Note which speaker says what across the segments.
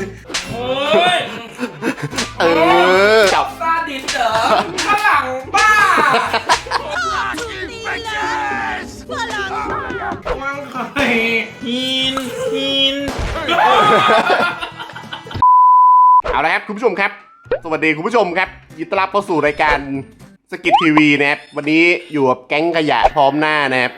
Speaker 1: โอ้ย
Speaker 2: จับ
Speaker 1: ซาดิสเหรอฝรั่งบ้ามันใครหิน
Speaker 2: เอาละครับคุณผู้ชมครับสวัสดีคุณผู้ชมครับยินดีต้อนรับเข้าสู่รายการสกิททีวีนะครับวันนี้อยู่กับแก๊งขยะพร้อมหน้านะครับ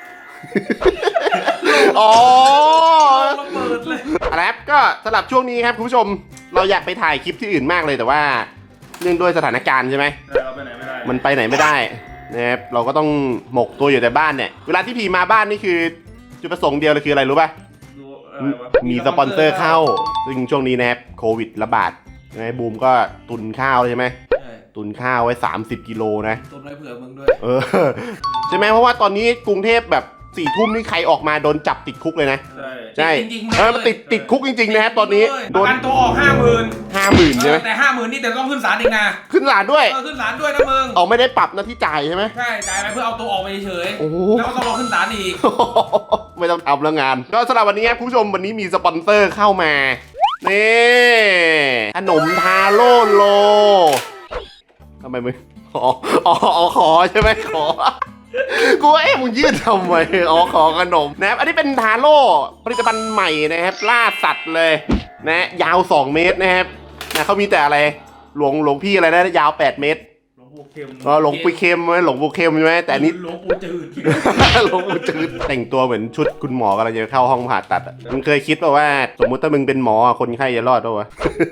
Speaker 2: อ๋อ
Speaker 1: ระเบิดเลย
Speaker 2: อะไรครับก็สำหรับช่วงนี้ครับคุณผู้ชมเราอยากไปถ่ายคลิปที่อื่นมากเลยแต่ว่าเนื่องด้วยสถานการณ์ใช่ไหม
Speaker 1: เราไปไหนไม่ได้
Speaker 2: มันไปไหนไม่ได้นะครับเราก็ต้องหมกตัวอยู่แต่บ้านเนี่ยเวลาที่พีมาบ้านนี่คือจุดประสงค์เดียวเลยคืออะไรรู้ป่ะมีสปอนเซอร์เข้าซึ่งช่วงนี้นะครับโควิดระบาดไงบูมก็ตุนข้าวใช่ไหมตุนข้าวไว้30 กิโลนะ
Speaker 1: ตุนไว้เผื่อมึงด้วย
Speaker 2: ใช่ไหมเพราะว่าตอนนี้กรุงเทพแบบ4 ทุ่มนี่ใครออกมาโดนจับติดคุกเลยนะใช่มันติดคุกจริงๆนะครับตอนนี้
Speaker 1: โดนตัวออก
Speaker 2: 50,000ใช่ไหม
Speaker 1: แต่50,000นี่แต่ต้องขึ้นศาลเองนะ
Speaker 2: ขึ้นศาลด้วย
Speaker 1: ขึ้นศาลด้วยนะมึง
Speaker 2: เอาไม่ได้ปรับนะที่จ่ายใช่ไหม
Speaker 1: ใช่จ่ายไปเพื่อเอาตัวออกไปเฉยแล้วก็ต้องรอขึ้นศาลอีก
Speaker 2: ไม่ต้องทำแล้วงานก็สำหรับวันนี้ครับคุณผู้ชมวันนี้มีสปอนเซอร์เข้ามานี่ขนมทาโร่โลทำไมมึงขอใช่ไหมขอกูมึงยืดทำไมขอขนมนะครับอันนี้เป็นทาโร่ผลิตภัณฑ์ใหม่นะครับล่าสัตว์เลยนะยาว2 เมตรนะครับนะเขามีแต่อะไรหลวงพี่อะไรนะยาว8 เมตรหลวงปู่เค็มไหมหลวงปู่เค็มใช่ไหมแต่อันนี้
Speaker 1: หลวงปู่จืด
Speaker 2: หลวงปู่จืดแต่งตัวเหมือนชุดคุณหมอกำลังจะเข้าห้องผ่าตัดมึงเคยคิดป่ะว่าสมมุติถ้ามึงเป็นหมอคนไข้จะรอดป่ะวะ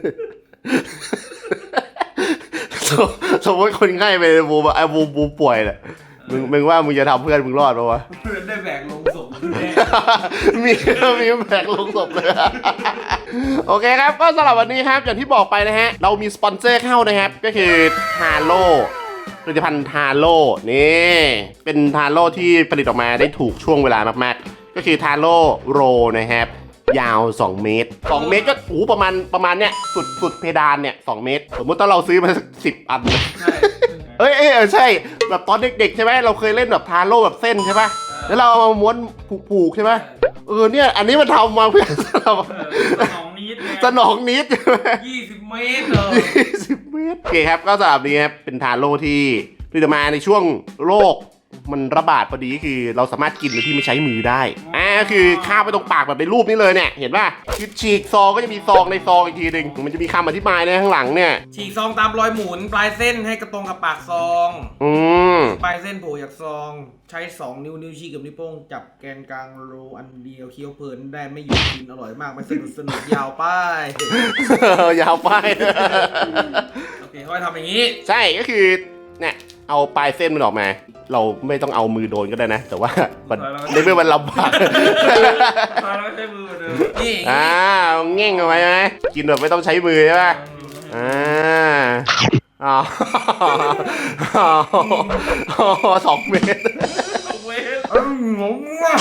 Speaker 2: สมมติคนไข้ไปบูป่วยแหละมึงว่ามึงจะทำเพื่อนมึงรอดป่ะวะ
Speaker 1: เพื่อนได้แบกลงศพ
Speaker 2: มีแบกลงศพเลยโอเคครับก็สำหรับวันนี้ครับอย่างที่บอกไปนะฮะเรามีสปอนเซอร์เข้านะครับก็คือทาโร่ผลิตภัณฑ์ทาโร่นี่เป็นทาโร่ที่ผลิตออกมาได้ถูกช่วงเวลามากๆก็คือทาโร่โรนะครับยาว2 เมตร2 เมตรก็ประมาณเนี้ยสุดเพดานเนี่ย2 เมตรสมมุติถ้าเราซื้อมาสัก10 อันใช่แบบตอนเด็กๆใช่ไหมเราเคยเล่นแบบทาโร่แบบเส้นใช่ป่ะแล้วเราเอามาม้วนผูกใช่ไหมเนี่ยอันนี้มันทำมาเพื่อสนองนิด
Speaker 1: 20 เมตรเลย
Speaker 2: 20 เมตรโอเคครับก็สำหรับนี้ครับเป็นทาโร่ที่ผลิตมาในช่วงโรคมันระบาดพอดีคือเราสามารถกินโดยที่ไม่ใช้มือได้คือคาบไปตรงปากแบบในรูปนี้เลยเนี่ยเห็นป่ะคือฉีกซองก็จะมีซองในซองอีกทีหนึ่งมันจะมีคำอธิบายในข้างหลังเนี่ย
Speaker 1: ฉีกซองตามรอยหมุนปลายเส้นให้กระตรงกับปากซองปลายเส้นโผล่จากซองใช้2 นิ้วชี้กับนิ้วโป้งจับแกนกลางโรอันเดียวเคี้ยวเพลินได้ไม่หยุดกินอร่อยมากไม่สนุกยาวป้าย
Speaker 2: ยาวป้าย
Speaker 1: โอเคค่อยทำอย่างนี้
Speaker 2: ใช่ก็คือเนี่ยเอาปลายเส้นมันออกมาเราไม่ต้องเอามือโดนก็ได้นะแต่ว่าในเมื่อมันลำบาก
Speaker 1: เราใช้มือเดิม
Speaker 2: นี่เง่งเอาไว้ไหมกินแบบไม่ต้องใช้มือใช่ไหม2 เมตร
Speaker 1: งงว่ะ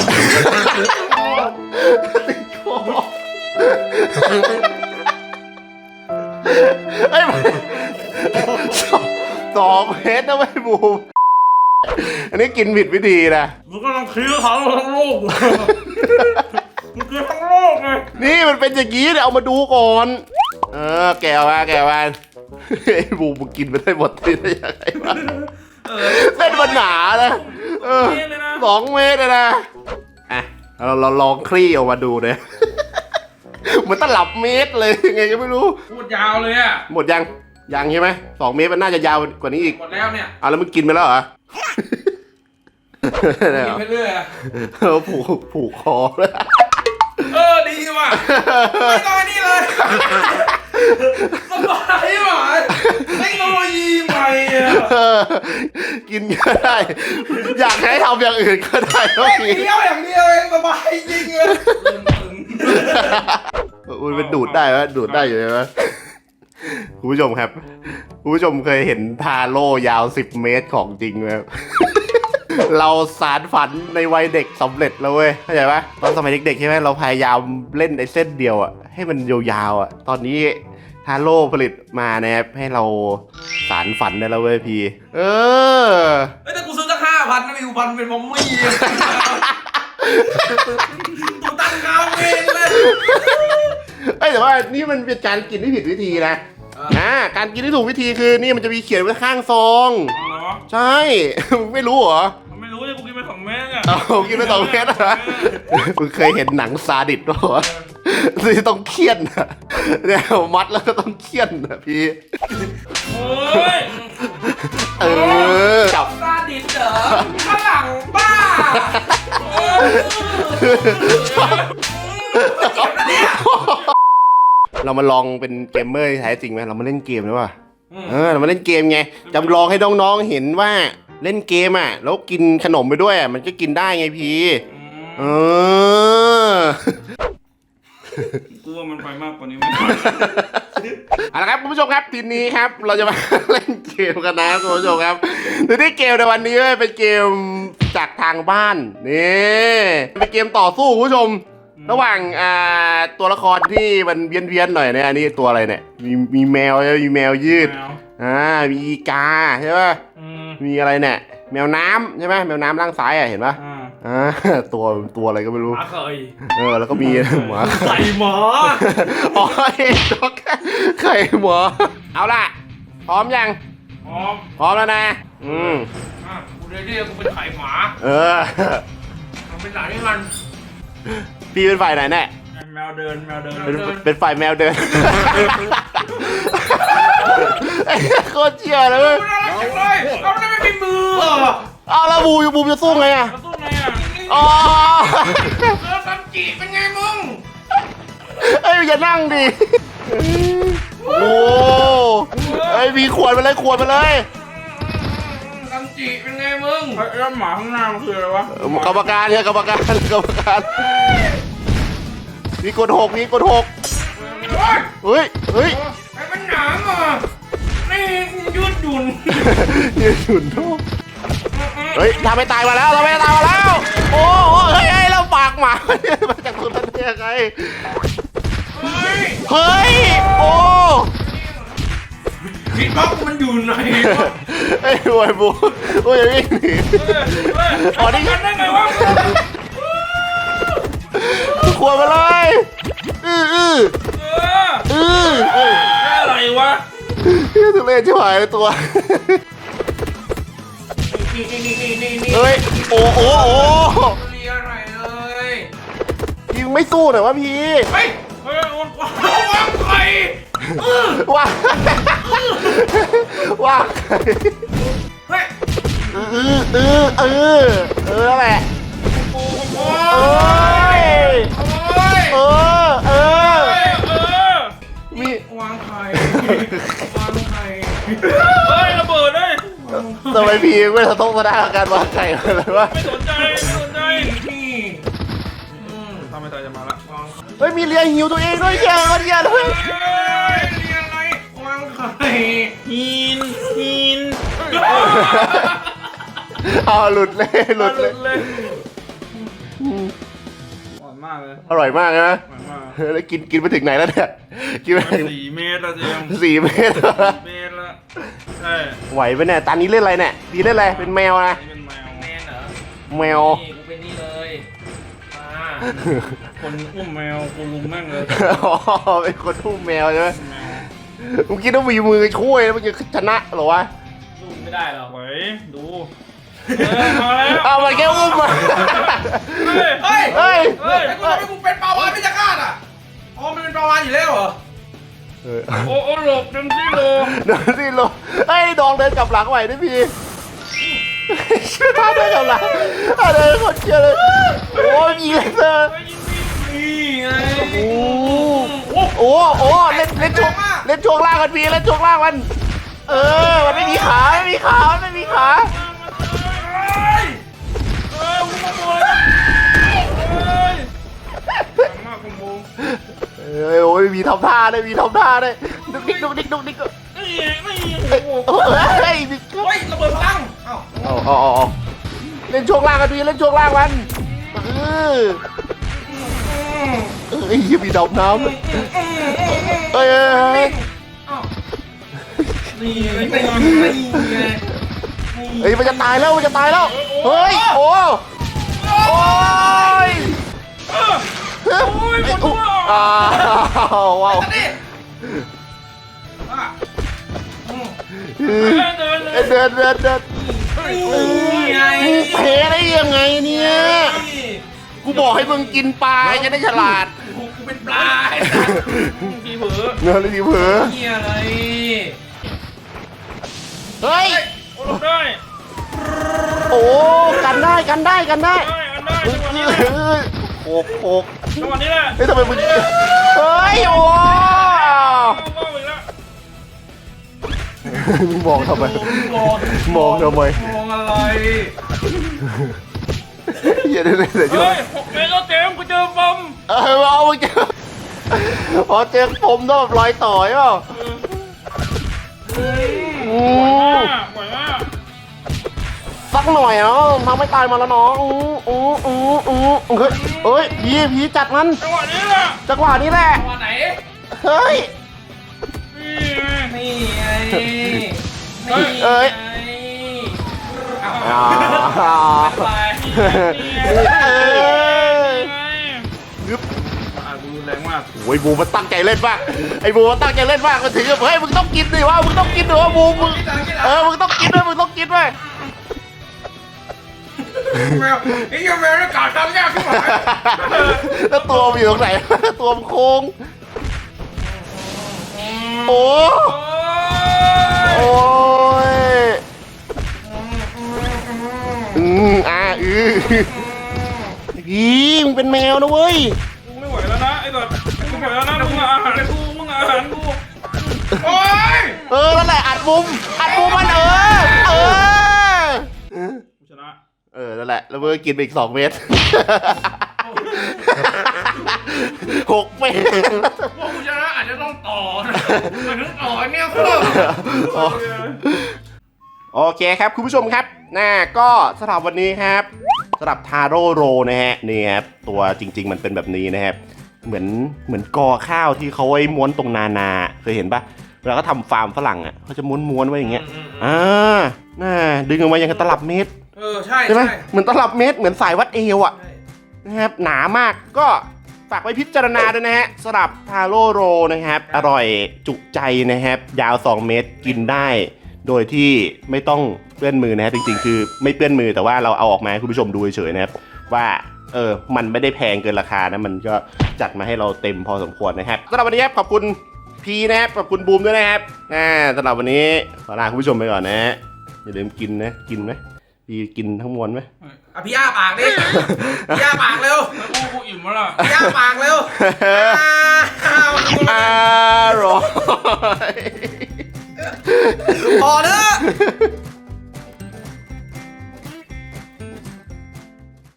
Speaker 2: 2 เมตรนะไม่บูมอันนี้กินผิดวิธีนะ
Speaker 1: มึงก็ต้องคิ้วเขาทั้งโลกมึงคือทั้งโลกไง
Speaker 2: นี่มันเป็นอย่างนี้เดี๋ยวเอามาดูก่อนแกมาไอ้บูมึงกินไปได้หมดที่ได้ยังไงวะเส้นมันหนานะ2 เมตรนะเราลองคลี่ออกมาดูเนี่ยเหมือนตลับเมตรเลยไงก็ไม่รู้
Speaker 1: พูดยาวเลยอะ
Speaker 2: หมดยังใช่ไหม2 เมตรมันน่าจะยาวกว่านี้อีก
Speaker 1: หมดแล้วเนี่ย
Speaker 2: แล้วมึงกินไปแล้วเหรอ
Speaker 1: กินไปเรื่อย
Speaker 2: ผูกคอเลย
Speaker 1: ดีว่ะไม่ต้องนี่เลยสบายว่ะเทคโนโลยีใหม่
Speaker 2: กินก็ได้อยากให้ทำอย่างอื่นก็ได้
Speaker 1: ก็กินเดียวอย่างเดียวเองสบายจริงเลย
Speaker 2: มันดูดได้ไหมดูดได้อยู่ไหมคุณผู้ชมครับคุณผู้ชมเคยเห็นทาโร่ยาว10 เมตรของจริงไหมเราสารฝันในวัยเด็กสำเร็จแล้วเว้ยเข้าใจปะตอนสมัยเด็กๆใช่ไหมเราพยายามเล่นไอ้เส้นเดียวให้มันยาวๆตอนนี้ทาโร่ผลิตมานะครับให้เราสารฝันได้แล้วเว้ยพี่
Speaker 1: แต่กูซื้อสัก5,000นะมีอยู่1,000เป็นมอมมี่กูตั้งเงาเองเลย
Speaker 2: เอ้ยแต่ว่านี่มันเป็นการกินที่ผิดวิธีนะการกินที่ถูกวิธีคือนี่มันจะมีเขียนไว้ข้างซองใช่ ไม่รู้เหรอ
Speaker 3: ไม่รู้เลยกูกินไป2 เม็ดอ่ะ
Speaker 2: กินไป2 เม็ดเหรอมึงเคยเห็นหนังซาดิสป่ะที่ต้องเคี่ยนนะเนี่ยมัดแล้วก็ต้องเคี่ยนนะพี่
Speaker 3: โอ้ย
Speaker 2: จับ
Speaker 1: ซาดิสเหรอฝรั่งบ้า
Speaker 2: เรามาลองเป็นเกมเมอร์แท้จริงไหมเรามาเล่นเกมหรือเปล่าเรามาเล่นเกมไงจำลองให้น้องๆเห็นว่าเล่นเกมแล้วกินขนมไปด้วยมันก็กินได้ไงพี่
Speaker 3: กูว่ามันไปมากกว่านี้
Speaker 2: เอาละครับคุณผู้ชมครับทีนี้ครับเราจะมาเล่นเกมกันนะคุณผู้ชมครับทีนี้เกมในวันนี้เป็นเกมจากทางบ้านนี่เป็นเกมต่อสู้คุณผู้ชมระหว่างตัวละครที่มันเวียนๆหน่อยเนี่ยอันนี้ตัวอะไรเนี่ยมีแมวมีแมวยืดมีอีกาใช่ป่ะมีอะไรเนี่ยแมวน้ำใช่ไหมแมวน้ำล่างซ้ายเห็นป่ะตัวอะไรก็ไม่รู้
Speaker 3: หมาเคย
Speaker 2: แล้วก็มีหมา
Speaker 3: ไข่หมา
Speaker 2: อ๋อไข่หมาเอาล่ะพร้อมยังพร้อมแล้วนะ
Speaker 3: กูเรียกกูเป็นไข่หมามันเป็นหลานที่มัน
Speaker 2: พี่เป็นฝ่ายไหนแน่
Speaker 3: แมวเดิน
Speaker 2: เป็นฝ่ายแมวเดินโคตรเชี่ยเลย
Speaker 1: เอาไม่มีมือ
Speaker 2: เอาแล้วบูจะสู้ไงอ่ะอ๋อ
Speaker 1: ซัมจิเป็นไงมึง
Speaker 2: อย่านั่งดิโอ้มีขวดไปเลย
Speaker 1: ซัมจิเป็นไงมึง
Speaker 3: แล้วหมาข้างหน้ามันคืออะไรวะ
Speaker 2: กรรมการมีกด6เฮ้ย
Speaker 1: ไอ้มันหนามอ่ะนี่ยืดหยุ่น
Speaker 2: ทุกเฮ้ยทำให้ตายมาแล้วโอ้เฮ้ยเราปากหมามาจากตัวนั้นได้ยังไงเฮ้ยโอ้
Speaker 1: พี่บ๊อบมันอยู่ไหน
Speaker 2: ไอ้บวยบูอย่าวิ่งหนี
Speaker 1: นี่กันได้ไงวะ
Speaker 2: ขวดมาเลย
Speaker 3: อะไรวะ
Speaker 2: ทุเรศชิบหายเลยตัวเฮ้ยโอ้
Speaker 1: เรียอะไรเลย
Speaker 2: ยิงไม่สู้หน่อยวะพี่
Speaker 1: เฮ้ยวางไข่
Speaker 2: วางไข่
Speaker 1: เฮ้ย
Speaker 2: นั่นแหละมี
Speaker 1: วางไข่
Speaker 3: เฮ้ยระเบิดเลย
Speaker 2: ทำไมพี่ไม่ต้องมาได้การวางไข่เลยวะ
Speaker 3: ไม่สนใจทำไมตายจะมาละ
Speaker 2: เฮ้ยมีเลียหิวตัวเองด้วยเยอะเลย
Speaker 1: เรียอะไรวางไข่
Speaker 3: หิน
Speaker 2: หลุดเลย
Speaker 3: อร่อยมากเลย
Speaker 2: อร่อยมากนะแล้วกินไปถึงไหนแล้วเนี่ยกินไปถึง
Speaker 3: 4 เมตรแล้วเจม
Speaker 2: 4 เมตร
Speaker 3: แล้วใช่
Speaker 2: ไหวปะเนี่ยตอนนี้เล่นอะไรเนี่ยดีเล่นอะไรเป็นแมวนะ
Speaker 3: เป็นแมว
Speaker 1: เหรอ
Speaker 2: แมว
Speaker 1: กูเป็นนี่เลย
Speaker 3: คนอุ้มแมวกูลุมแม่งเลย
Speaker 2: เป็นคนอุ้มแมวใช่ไหมมึงคิดว่ามีมือช่วยแล้วมันจะชนะหรอวะ
Speaker 1: สู้ไม่ได้หรอก
Speaker 3: ดู
Speaker 2: เอามันแค่อุ้มมา
Speaker 1: เฮ้ยกูเป็นปลาวานไม่จะฆ่าอ่ะมันเป็นปลาวานอยู่แล้วเหรอ
Speaker 3: โอ้หลบดันซี่โล
Speaker 2: เฮ้ยดองเดินกลับหลังไหวด้วยพี่ท่าเดินกลับหลังเดินคนเชียร์เลยโอ้ยยิงเลยเธอโอ้เล่นช่วงล่างกันพี่เล่นช่วงล่างมันมันไม่มีขาโอ้ยมีทำท่าได้ดุกดิกเฮ้ย
Speaker 1: ระเบิดพลัง
Speaker 2: เล่นช่วงล่างกันพี่เล่นช่วงล่างมันยังมีดำน้ำมันจะตายแล้วเฮ้ยโอ้ยอ้าวว้าว
Speaker 1: นี่
Speaker 3: อ่ะ
Speaker 2: เดิน
Speaker 1: นี่ไง
Speaker 2: เพได้ยังไงเนี่ย กูบอกให้มึงกินปลาจะได้ฉลาด
Speaker 1: กูเป็นปลาไอ้สัตว์
Speaker 3: ทีเผลอ
Speaker 2: เนื้อเลยดิเผลอ
Speaker 1: เหี้ยอะไร
Speaker 2: เฮ้ย
Speaker 3: โอ้ลงได้
Speaker 2: โอ้กันได้
Speaker 3: ได้อันได้จังหวะนี้แหละ
Speaker 2: โขก
Speaker 3: จังหวะนี้แหละ
Speaker 2: เฮ้ยทำไมมึงเฮ้ยโอ้
Speaker 3: มองอีกแล้ว
Speaker 2: มึงมองทำไม มองทำไม
Speaker 1: มองอะไร
Speaker 2: อย่าได้เลยช่ว
Speaker 3: เฮ้
Speaker 2: ย
Speaker 3: ย6 เมตรแล้วเจมส์กูเจอปอม
Speaker 2: เอามึงเจอพอเจอผมต้องแบบรอยต่อยเปล่า
Speaker 3: ไหวมาก
Speaker 2: สักหน่อยเนาะทำไม่ตายมาแล้วน้องเฮ้ยผีจัดมัน
Speaker 3: จังหวะนี้แหละ
Speaker 2: จังหวะนี้แหละ
Speaker 1: ตัวไหน
Speaker 2: เฮ้ย
Speaker 3: นี่ไง
Speaker 1: นี่ไง
Speaker 2: เอ้ย
Speaker 1: เอา
Speaker 3: ไป
Speaker 2: ยึบ
Speaker 3: ดูแรงมาก
Speaker 2: โอ้ยบูมันตั้งใจเล่นมากไอ้บูมันตั้งใจเล่นมากมันถึงกับเฮ้ยมึงต้องกินดิวะมึงต้องกินดิวะบูมึงมึงต้องกินด้วยมึงต้องกินด้วย
Speaker 1: แมวไอ้เหี้ยแมวนี่กาดทำยากขึ้นมา
Speaker 2: แล้วตัวมันอยู่ตรงไหน ตัวมันโค้งโอ้โอ้ยมึงเป็นแมวนะเว้ย
Speaker 3: กูไม่ไหวแล้วนะไอ้แบบกูไม่ไหวแล้วนะมึงอาหารกู
Speaker 1: โอ้ย
Speaker 2: นั่นแหละอัดมุมมันกู
Speaker 3: ชนะ
Speaker 2: นั่นแหละแล้วมึงกินไปอีก2 เม็ด6 เม็ด
Speaker 1: พวกกูชนะอาจจะต้องต่อนะมันถึงต่อเนี่ยเพื่อ
Speaker 2: โอเคครับคุณผู้ชมครับก็สำหรับวันนี้ครับสำหรับทาโร่โรนะฮะนี่ครับตัวจริงๆมันเป็นแบบนี้นะครับเหมือนกอข้าวที่เขาไว้ม้วนตรงนาเคยเห็นปะเวลาเขาทำฟาร์มฝรั่งอ่ะเขาจะม้วนไว้อย่างเงี้ยดึงออกมาอย่างกับตลับเมตร
Speaker 1: ใช่
Speaker 2: ไหมเหมือนตลับเมตรเหมือนสายวัดเอวอ่ะนะครับหนามากก็ฝากไว้พิจารณาด้วยนะฮะสำหรับทาโร่โรนะครับอร่อยจุใจนะครับยาว2 เมตรกินได้โดยที่ไม่ต้องเปื้อนมือนะฮะจริงๆคือไม่เปื้อนมือแต่ว่าเราเอาออกมาให้คุณผู้ชมดูเฉยๆนะครับว่ามันไม่ได้แพงเกินราคานะมันก็จัดมาให้เราเต็มพอสมควรนะครับสำหรับวันนี้ครับขอบคุณพีนะครับขอบคุณบูมด้วยนะครับสำหรับวันนี้ขอลาคุณผู้ชมไปก่อนนะฮะอย่าลืมกินนะกินไหมพีกินทั้งมวลไหม
Speaker 1: พี่อ้าปากดิพี่อ้าปากเร็ว
Speaker 3: แล้วกูอิ่มแล้วล่ะ
Speaker 1: พี่อ้าปากเร็ว
Speaker 2: อร่อย
Speaker 1: พอเถอะ